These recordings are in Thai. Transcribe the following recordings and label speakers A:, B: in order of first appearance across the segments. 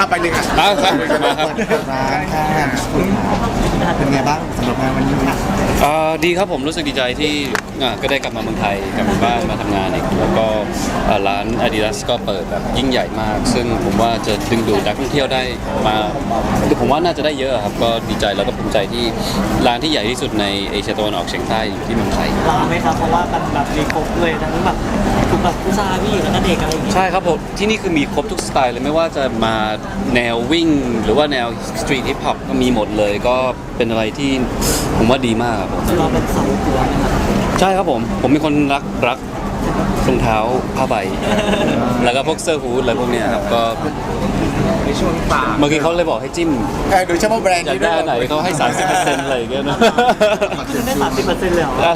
A: ไปเลยค่ะ
B: ครับมาครับ
A: ร้านค่ะเป็นไงบ้างสำหรับงานวันนี้
B: ดีครับผมรู้สึกดีใจที่ก็ได้กลับมาเมืองไทยกลับมาบ้านมาทำงานอีกแล้วก็ร้าน Adidas ก็เปิดแบบยิ่งใหญ่มาก ซึ่งผมว่าจะดึงดูดนักท่องเที่ยวได้มาคือผมว่าน่าจะได้เยอะครับก็ดีใจแล้วก็ภูมิใจที่ร้านที่ใหญ่ที่สุดในเอเชียตะวันออกเฉียงใต้อยู่ที่เมืองไทย
C: รอไหมครับเพราะว่ามันแบบมีครบเลยทั้งแบบทุกแบบผู้ชายผู้หญิงแล้วก็เด็กอะไรอย่างเงี้ย
B: ใช่ครับผมที่นี่คือมีครบทุกสไตล์เลยไม่ว่าจะมาแนววิ่ง หรือว่าแนวสตรีทฮิปฮอปก็มีหมดเลยก็เป็นอะไรที่ผมว่าดีมากครับผม
C: เราเป็นสาวกลัวนะครับ
B: ใช่ครับผมเป็นคนรักรองเท้าผ้าใบ แล้วก็พวกเสื้อฮู้ดอะไรพวกเนี้ยครับก็
A: ในช่วงป่า
B: เมื่อกี้เขาเลยบอกให้จิ้ม
A: โดยเฉพาะแบรนด์
B: อยากได้อันไหนเขาให้ 30%อะไรอย่างเงี้ยนะ
C: คือได้30%เลยเหรอได้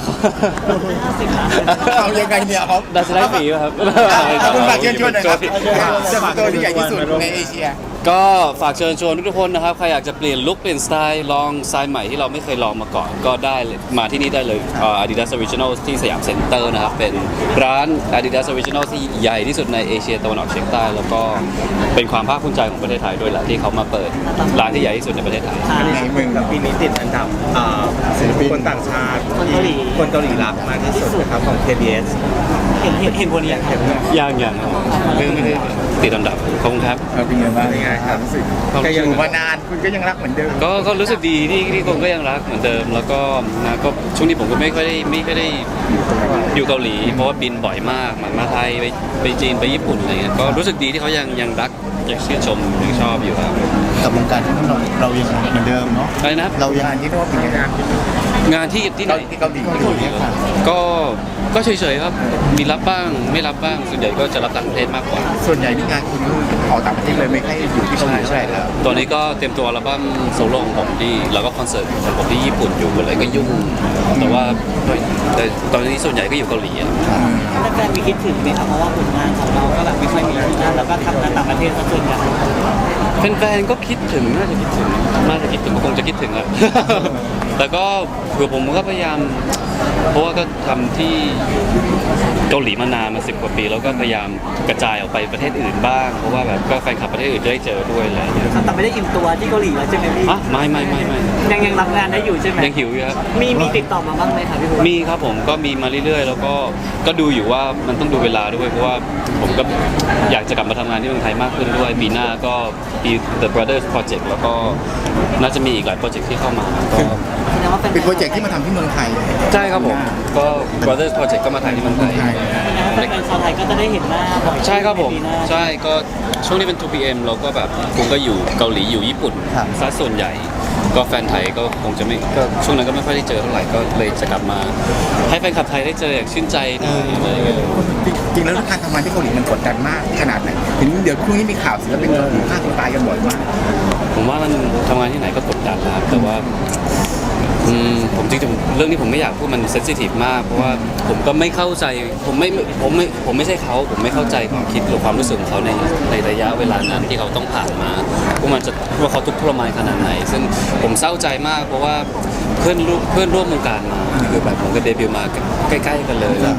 C: 50นะ
A: เอายังไงเนี่ยครับ
B: ได้จะได้ฟรีป่ะครับ
A: คุณฝากเชิญชวนหน่อยครับเสื้อตัวที่ใหญ่ที่สุดในเอเชีย
B: ก็ฝากเชิญชวนทุกๆคนนะครับใครอยากจะเปลี่ยนลุคเปลี่ยนสไตล์ลองสไตล์ใหม่ที่เราไม่เคยลองมาก่อนก็ได้เลยมาที่นี่ได้เลยAdidas Original ที่สยามเซ็นเตอร์นะครับเป็นร้าน Adidas Original ที่ใหญ่ที่สุดในเอเชียตะวันออกเฉียงใต้แล้วก็เป็นความภาคภูมิใจของประเทศไทยด้วยแหละที่เขามาเปิดร้านที่ใหญ่ที่สุดในประเทศไทย
A: ในเมือง
D: ปีนี้ติดอันดับศิลปินคนต่างชาติ
C: คนเกาหลี
D: คนเกาหลีรักมากที่สุดนะครับของ KBS
C: เห็นคนนี้ครับ
B: ยังไม่ได้ติดอันดับขอบคุณครับ
A: เป็นไงบ้าง
D: เป็นไงครับ
A: รู้สึกก็ยังอยู่มานานคุณก็ยังรักเหมือนเดิม
B: ก็รู้สึกดีที่คนก็ยังรักเหมือนเดิม แล้วก็นะก็ช่วงนี้ผมก็ไม่ค่อยได้อยู่เกาหลีเพราะว่าบินบ่อยมากมาไทยไปจีนไปญี่ปุ่นอะไรเงี้ยก็รู้สึกดีที่เขายังรักยังชื่นชมยังชอบอยู่ครับ
A: กับวงการที่นู่นเรายังเหมือนเดิมเนาะ
B: อะไรนะครับ
A: เรายังที่นู่นเป็นงาน
B: งานที่ไหน
A: ที่เกาหลีเนี่ยค่ะ
B: ก็เฉยๆครับมีรับบ้างไม่รับบ้างส่วนใหญ่ก็จะรับต่างประเทศมากกว่า
A: ส่วนใหญ่นี่งานคุณออกต่างประเทศเลยไม่ค่อยอยู่ที่เกาหลีเท่าไหร่แล้ว
B: ตอนนี้ก็เตรียมตัวอัลบั้มโซโล่ของผมที่แล้วก็คอนเสิร์ตของผมที่ญี่ปุ่นอยู่อะไรก็ยุ่งแต่ว่าตอนนี้ส่วนใหญ่ก็อยู่เกาหลีอะ
C: แฟนๆมีคิดถึงไหมครับเพราะว่าผลงานของเราก็แบบไม่ค่อยมีที่นั่นแล้วก็ทำงานต่างประเทศซะส่วนใหญ่
B: แฟนๆก็คิดถึงน่าจะคิดถึงก็คงจะคิดถึงอะ แต่ก็ผมก็พยายามเพราะว่าก็ทำที่เกาหลีมานานมา10 กว่าปีแล้วก็พยายามกระจายออกไปประเทศอื่นบ้างเพราะว่าแบบก็แฟนคลับประเทศอื่นจะได้เจอด้วยอะไรอย่างเงี้ย
C: แต่ไม่ได้อิ่มตัวที่เกาหลีแล้วใช่ไหมพี่
B: อ่ะไม่
C: ยังรับงานได้อยู่ใช่ไหม
B: ยังหิวอยู่ครับ
C: มีติดต่อมาบ้างไหมครับพี่บัว
B: มีครับผมก็มีมาเรื่อยๆ แล้วก็ดูอยู่ว่ามันต้องดูเวลาด้วยเพราะว่าผมก็อยากจะกลับมาทำงานที่เมืองไทยมากขึ้นด้วยปีหน้าก็มี The Brothers Project แล้วก็น่าจะมีอีกหลายโปรเจกต์ที่เข้ามาก็
C: แสดงว่าเป็น
A: เป็นโปรเจกต์ที่มาทำที่เมืองไทย
B: ใช่ครับผมก็ Brothers Project ก็มาถ่ายที่เมืองไทย
C: แฟนชาวไทยก็จะได้เห็นหน้าบ่อย
B: ใช่ครับผม
C: ในปีหน้า
B: ใช่ก็ช่วงนี้เป็น 2PM เราก็แบบผมก็อยู่เกาหลีอยู่ญี่ปุ่น
A: ครับ
B: ซะส่วนใหญ่ ก็แฟนไทยก็คงจะไม่ก็ช่วงนั้นก็ไม่ค่อยได้เจอเท่าไหร่ก็เลยจะกลับมา ให้แฟนคลับไทยได้เจออย่างชื่นใจหน่อยอะไรอย่างเงี้ย
A: จริงๆแล้วการทำงานที่เกาหลีมันกดดันมากขนาดไหนเห็นเดี๋ยวพรุ่งนี้มีข่าวศิลปินเกาหลีฆ่าตัวตายกันบ่อยมาก
B: ผมว่ามันทำงานที่ไหนก็กดดันนะครับแต่ว่าผมจริงๆเรื่องนี้ผมไม่อยากพูดมันเซนซิทีฟมากเพราะว่าผมก็ไม่เข้าใจผมไม่ใช่เขาผมไม่เข้าใจความคิดหรือความรู้สึกของเขาในระยะเวลานั้นที่เขาต้องผ่านมาว่าเขาทุกข์ทรมานขนาดไหน ซึ่งผมเศร้าใจมากเพราะว่าเพื่อนร่วมวงการมาคือแบบผมก็เดบิวต์มาใกล้ๆกันเลยแล้ว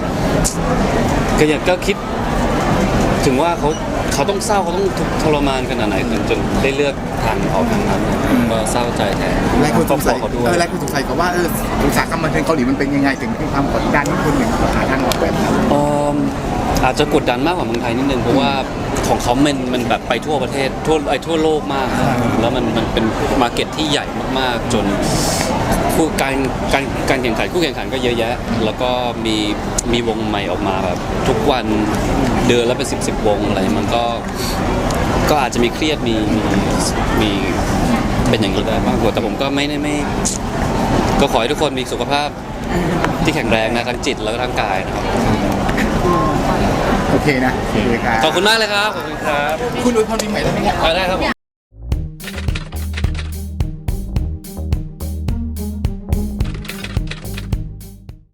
B: ก็คิดถึงว่าเขาต้องเศร้าเขาต้องทุกข์ทรมานขนาดไหนจนได้เลือกทางออกทางนั้นก็เศร้าใจแทน
A: หลายคนสงสัย
B: เขาด้วย
A: หลายคนสงสัยเขาว่าอุตสาหกรรมบันเทิงเกาหลีมันเป็นยังไงถึงมีความกดดันที่คนหนึ่งหาทางออกแบบนั้น
B: อาจจะกดดันมากกว่าเมืองไทยนิดนึงเพราะว่าของเขามันแบบไปทั่วประเทศทั่วโลกมากครับแล้วมันเป็นมาร์เก็ตที่ใหญ่มากๆจนการแข่งขันคู่แข่งขันก็เยอะแยะ แล้วก็มีวงใหม่ออกมาแบบทุกวันเดือนละเป็น10 วงอะไรมันก็อาจจะมีเครียดมีเป็นอย่างนี้ได้บ้างแต่ผมก็ไม่ก็ขอให้ทุกคนมีสุขภาพที่แข็งแรงนะทั้งจิตแล้วก็ทั้งกายนะครับ
A: โอเคนะโอเคครับ
B: ขอบคุณมากเลยครับ ขอบคุณครับ
A: คุณอวยพรปีใหม่ได้ไหมครับ
B: ได้ครับผม